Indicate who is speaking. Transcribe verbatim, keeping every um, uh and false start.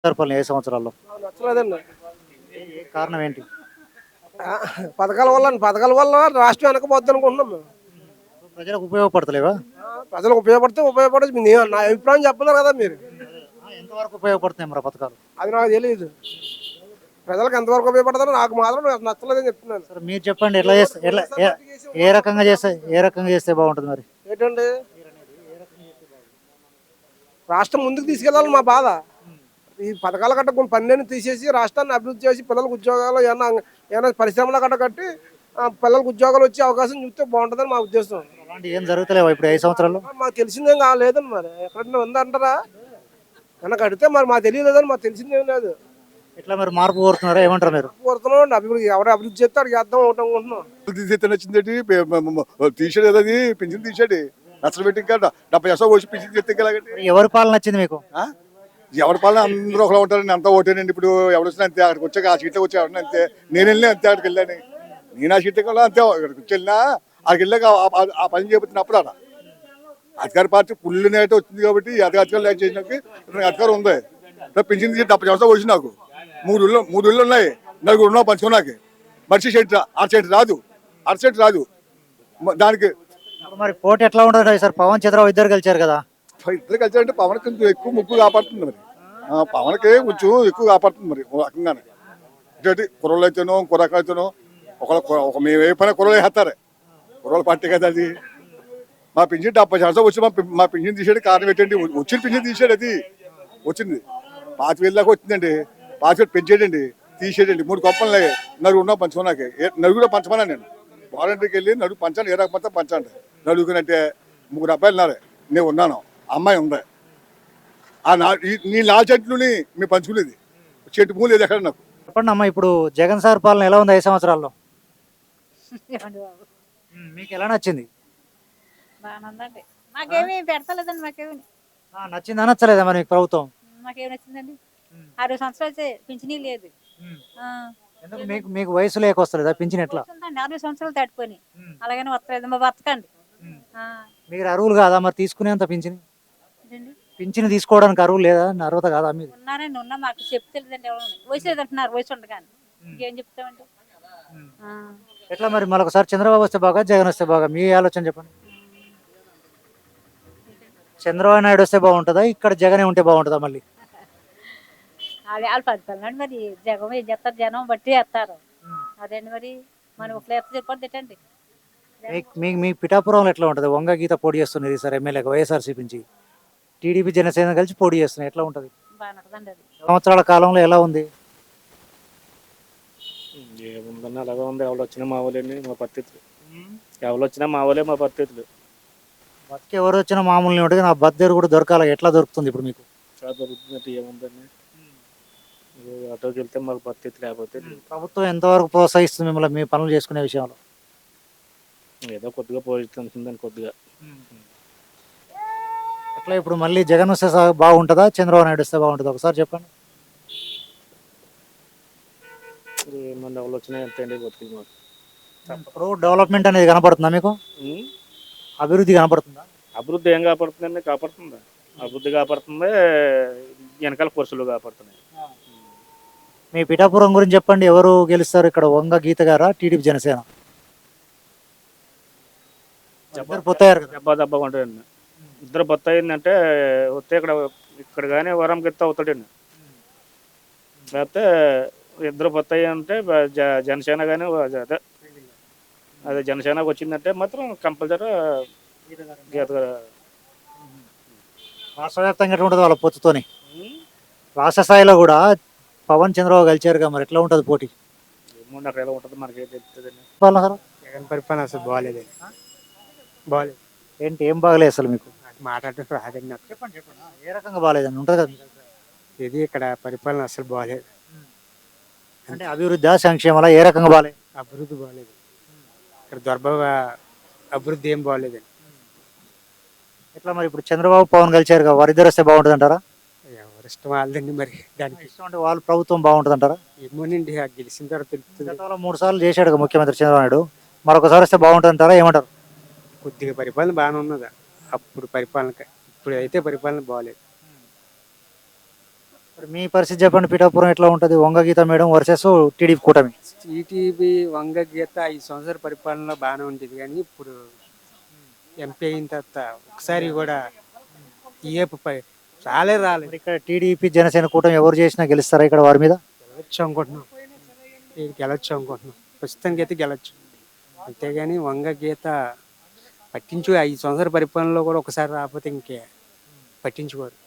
Speaker 1: సరిపోలే ఏ సంవత్సరాల్లో?
Speaker 2: నాకు నచ్చలేదండి.
Speaker 1: ఏ ఏ కారణం ఏంటి?
Speaker 2: ఆ! పథకాల వల్ల పథకాల వల్ల రాష్ట్రం వెనకపోద్దనుకుంటున్నాం మేము.
Speaker 1: ప్రజలకు ఉపయోగపడతలేవా?
Speaker 2: ఆ! ప్రజలకు ఉపయోగపడితే ఉపయోగపడచ్చు. నే నా అభిప్రాయం చెప్పలేరు కదా మీరు.
Speaker 1: ఆ! ఎంతవరకు ఉపయోగపడుతున్నాయి మరి ఆ పథకాలు?
Speaker 2: అది నాకు తెలీదు. ప్రజలకు ఎంతవరకు ఉపయోగపడతారో నాకు మాత్రం నాకు నచ్చలేదని చెప్తున్నాను.
Speaker 1: సరే మీరు చెప్పండి ఎట్లా చేస్తే ఎట్లా ఏ ఏ రకంగా చేస్తే ఏ రకంగా చేస్తే బాగుంటుంది మరి?
Speaker 2: ఏంటండి రాష్ట్రం ముందుకు తీసుకెళ్ళాలి మా బాధ. ఈ పథకాల గట్ట కొన్ని పన్నెండు తీసేసి రాష్ట్రాన్ని అభివృద్ధి చేసి పిల్లలకు ఉద్యోగాలు ఏమన్నా ఏమైనా పరిశ్రమల గట్ట కట్టి ఆ, పిల్లలకు ఉద్యోగాలు వచ్చే అవకాశం చూస్తే బాగుంటుందని మా ఉద్దేశం.
Speaker 1: అలాంటి ఏం జరుగుతలేవా ఇప్పుడు ఐదు సంవత్సరాల్లో?
Speaker 2: ఆ, మాకు తెలిసిందేం కాలేదండి మరి ఎక్కడన్నా ఉందంటారా వెనక అడిగితే మరి మాకు తెలియలేదని మాకు తెలిసిందేం లేదు.
Speaker 1: ఎట్లా మరి మార్పు కోరుతున్నారా ఏమంటారు మీరు?
Speaker 2: కోరుతున్నాం అభివృద్ధి ఎవరు అభివృద్ధి చేస్తే అడిగి చేద్దాం ఒకటి అనుకుంటున్నాం.
Speaker 3: తీసేస్తే నచ్చిందేంటి పే- మ- మ- మ- తీసాడు కదా అది పింఛన్ తీసాడు నచ్చలు పెట్టి ఇంకా డెబ్బై శాతం వచ్చి పింఛన్ చేస్తే ఎలాగండి
Speaker 1: మరి ఎవరి పాలన నచ్చింది మీకు?
Speaker 3: ఎవరి పాలన అందరూ ఒకలా ఉంటారండి అంతా ఓటేనండి ఇప్పుడు ఎవరు వచ్చినా అంతే అక్కడికి వచ్చాక ఆ సీట్లో వచ్చి ఎవరిని అంతే నేను వెళ్ళినా అంతే అక్కడికి వెళ్ళాను నేను ఆ సీట్లో కూడా అంతే అక్కడికి వచ్చి వెళ్ళినా అక్కడికి వెళ్ళాక ఆ- ఆ- ఆ పని చేయబోతున్నప్పుడు అక్కడ అధికార పార్టీ పుల్లు నేట వచ్చింది కాబట్టి ఈ అధికారం లేక చేసినాక ఇప్పుడు అధికారం ఉంది ఇప్పుడు పింఛన్ తీసి డెబ్బై శాతం వచ్చి నాకు మూడు ఇళ్ళు మూడు ఇళ్ళు ఉన్నాయి నలుగురు ఉన్నావు పంచుకున్నాకి మనిషి సెంట్ ఆరు సెంట్ రాదు ఆరు సెంట్ రాదు మ- దానికి
Speaker 1: ఇప్పుడు మరి పోటీ ఎట్లా ఉంటుంది సార్? పవన్ చంద్రబాబు ఇద్దరు గెలిచారు కదా.
Speaker 3: ఇద్దరు కలిసి అంటే పవన్ కొంచెం ఎక్కువ ముగ్గు కాపాడుతుంది మరి ఆ, పవన్కే కొంచెం ఎక్కువ కాపాడుతుంది మరి ఓ రకంగానే ఇటు కుర్రలు అయితేనో కుర్రకాయలు అయితేనో ఒకళ్ళ ఒక మేము ఏ పని కుర్రలు వేస్తారు కుర్రల పార్టీ కదా అది మా పింఛన్ డెబ్బై శాతం వచ్చి మా పి- మా పింఛన్ తీసాడు కారణం ఏంటండి వచ్చిన పింఛన్ తీసాడు అది వచ్చింది పాతి వేలు దాకా వచ్చిందండి పాతి వేలు పెంచాడండి తీసేయండి మూడు కొప్పలు నలుగురు ఉన్నాం పంచుకున్నాక నలుగురు పంచమన్నా నేను వాలంటీర్కి వెళ్ళి నలుగురు పంచాను ఏ రకమంతా పంచండి నలుగురంటే ముగ్గురు అబ్బాయిలు ఉన్నారు నేను ఉన్నాను అమ్మాయి ఉంది ఆ నా ఈ- నీ నాలుగు చెట్లుని మేము పంచుకునేది చెట్టు పూలు లేదు ఎక్కడ నాకు
Speaker 1: చెప్పండి అమ్మా, ఇప్పుడు జగన్ సార్ పాలన ఎలా ఉంది ఐదు సంవత్సరాల్లో?
Speaker 4: ఏమండి బాబు
Speaker 1: ఉమ్, మీకు ఎలా నచ్చింది?
Speaker 4: బాగానే ఉందండి. మాకేమీ పెడతలేదండి. మాకేమి
Speaker 1: ఆ, నచ్చిందా నచ్చలేదా మరి మీకు ప్రభుత్వం?
Speaker 4: మాకేమి నచ్చిందండి.
Speaker 1: ఉమ్,
Speaker 4: అరవై సంవత్సరాలు వచ్చే పింఛనీ లేదు.
Speaker 1: ఉమ్.
Speaker 4: ఆ,
Speaker 1: ఎందుకు మీకు మీకు వయసు లేకొస్తలేదా పింఛన్ ఎట్లా?
Speaker 4: వస్తుందండి. అరవై సంవత్సరాలు దాటిపోయి
Speaker 1: ఉమ్,
Speaker 4: అలాగని వస్తలేదు. మా బతకండి.
Speaker 1: ఉమ్.
Speaker 4: ఆ,
Speaker 1: మీరు అరువులు కాదా మరి తీసుకునేంత పింఛన్?
Speaker 4: ఇదండి.
Speaker 1: పింఛన్ తీసుకోవడానికి అరువు లేదా? అర్హత కాదా మీది?
Speaker 4: ఉన్నారండి. ఉన్నా మాకు చెప్తలేదండి. ఎవరు వయసు లేదు అంటున్నారు. వయసు ఉండగాని ఇంకేం చెప్తామండి.
Speaker 1: ఉమ్.
Speaker 4: ఆ,
Speaker 1: ఎట్లా మరి మరొకసారి చంద్రబాబు వస్తే బాగా జగన్ వస్తే బాగా మీ ఆలోచన చెప్పండి. చంద్రబాబు నాయుడు వస్తే బాగుంటుందా, ఇక్కడ జగనే ఉంటే బాగుంటుందా మళ్ళీ?
Speaker 4: వాళ్ళు వాళ్ళు పడుతున్నాడు. మరి జగం ఏం చేస్తారు? జనం బట్టి వేస్తారు. అదేండి మరి మనం ఒకళ్ళు ఎత్త చెప్పండి తిట్టండి.
Speaker 1: మీకు మీ మీ పిఠాపురంలో ఎట్లా ఉంటుంది? వంగ గీత పోటీ చేస్తున్నది సార్ ఎమ్మెల్యేగా వైఎస్ఆర్సీపీ నుంచి. టీడీపీ జనసేన కలిసి పోటీ చేస్తున్నాయి. ఎట్లా ఉంటుంది?
Speaker 4: బాగానే ఉంటుందండి అది.
Speaker 1: సంవత్సరాల కాలంలో ఎలా ఉంది?
Speaker 5: ఏముందన్న అలాగే ఉంది. ఎవరు వచ్చినా మా వాళ్ళని మా పరిస్థితులు ఎవరు వచ్చినా మా వాళ్ళే మా పరిస్థితులు
Speaker 1: బతికి ఎవరు వచ్చినా మామూలు ఉంటుంది. నా బద్దెరు కూడా దొరకాలి. ఎట్లా దొరుకుతుంది ఇప్పుడు మీకు?
Speaker 5: చాలా దొరుకుతున్నట్టు ఏముందని ఆటోకి వెళ్తే మాకు పరిస్థితి లేకపోతే లేదు.
Speaker 1: ప్రభుత్వం ఎంతవరకు ప్రోత్సహిస్తుంది మిమ్మల్ని మీ పనులు చేసుకునే విషయంలో?
Speaker 5: ఏదో కొద్దిగా పోషిస్తుందని కొద్దిగా
Speaker 1: అట్లా ఇప్పుడు మళ్ళీ జగన్ వస్తే సా- బాగుంటుందా, చంద్రబాబు నాయుడు వస్తే బాగుంటుందా? ఒకసారి చెప్పండి.
Speaker 5: ఏమన్నా ఎవరు వచ్చినా ఎంత అండి బతుకులు మాకు.
Speaker 1: ఇప్పుడు డెవలప్మెంట్ అనేది కనపడుతుందా మీకు?
Speaker 5: ఉం?
Speaker 1: అభివృద్ధి కనపడుతుందా?
Speaker 5: అభివృద్ధి ఏం కాపాడుతుందండి? కాపాడుతుందా? అభివృద్ధి కాపాడుతుంది. వెనకాల పురుషులు కాపాడుతున్నాయి.
Speaker 1: మీ పిఠాపురం గురించి చెప్పండి. ఎవరు గెలుస్తారు ఇక్కడ, వంగ గీత గారా, టీడీపీ జనసేన? ఇద్దరు పొత్తయ్యారు కదా.
Speaker 5: దెబ్బ దెబ్బ ఉంటాయండి. ఇద్దరు బొత్త అయిందంటే వస్తే ఇక్కడ ఇక్కడ కానీ వరంకి ఎత్తే అవుతాడండి. లేకపోతే ఇద్దరు బొత్త అంటే జ- జనసేన కానీ అదే అదే జనసేనకు వచ్చిందంటే మాత్రం కంపల్సరీ గీత
Speaker 1: రాష్ట్ర వ్యాప్తంగా ఎట్లా ఉంటుంది వాళ్ళ పొత్తుతోని? రాష్ట్ర స్థాయిలో కూడా పవన్ చంద్రబాబు కలిచారుగా, మరి ఎట్లా ఉంటుంది పోటీ?
Speaker 5: ఏమో అక్కడ ఎలా ఉంటుంది మనకి తెలుస్తుందండి.
Speaker 1: వాళ్ళ సార్
Speaker 2: జగన్ పరిపాలన అసలు బాగాలేదండి. బాగాలేదు.
Speaker 1: ఏంటి ఏం బాగలేదు అసలు మీకు?
Speaker 2: మాట్లాడటం రాదండి నాకు.
Speaker 1: చెప్పండి చెప్పండి. ఏ రకంగా బాగాలేదని ఉంటుంది కదా మీకు?
Speaker 2: ఇది ఇక్కడ పరిపాలన అసలు బాగాలేదు.
Speaker 1: అంటే అభివృద్ధి సంక్షేమాల ఏ రకంగా బాగాలేదు?
Speaker 2: అభివృద్ధి బాగాలేదు. ఇక్కడ దొరబాబు అభివృద్ధి ఏం బాగాలేదండి.
Speaker 1: ఎట్లా మరి ఇప్పుడు చంద్రబాబు పవన్ కలిచారుగా, వారిద్దరు వస్తే బాగుంటుంది అంటారా?
Speaker 2: ఎవరి ఇష్టం వాళ్ళదండి. మరి దానికి
Speaker 1: ఇష్టం అంటే వాళ్ళ ప్రభుత్వం బాగుంటుంది అంటారా?
Speaker 2: ఏమోనండి ఆ గెలిచిన తర్వాత తెలుస్తుంది.
Speaker 1: గతంలో మూడు సార్లు చేశాడు ముఖ్యమంత్రి చంద్రబాబు నాయుడు, మరొకసారి వస్తే బాగుంటుంది అంటారా? ఏమంటారు?
Speaker 2: కొద్దిగా పరిపాలన బాగానే ఉన్నదా అప్పుడు పరిపాలన ఇప్పుడు అయితే పరిపాలన బాగాలేదు.
Speaker 1: ఇప్పుడు మీ పరిస్థితి చెప్పండి, పిఠాపురం ఎట్లా ఉంటుంది? Vanga Geetha madam versus TDP కూటమి.
Speaker 6: టీటీపీ వంగ గీత ఐదు సంవత్సరాల పరిపాలనలో బాగానే ఉంటుంది, కానీ ఇప్పుడు ఎంపీ అయిన తర్వాత ఒకసారి కూడా ఏపు పై- రాలే రాలేదు.
Speaker 1: మరి ఇక్కడ టీడీపీ జనసేన కూటమి ఎవరు చేసినా గెలుస్తారా ఇక్కడ వారి మీద?
Speaker 6: గెలవచ్చు అనుకుంటున్నాం, ఇది గెలవచ్చు అనుకుంటున్నాం, ప్రస్తుతానికి అయితే గెలవచ్చు. అంతేగాని వంగ గీత పట్టించు ఐదు సంవత్సరాల పరిపాలనలో కూడా ఒకసారి రాకపోతే ఇంకే పట్టించుకోరు.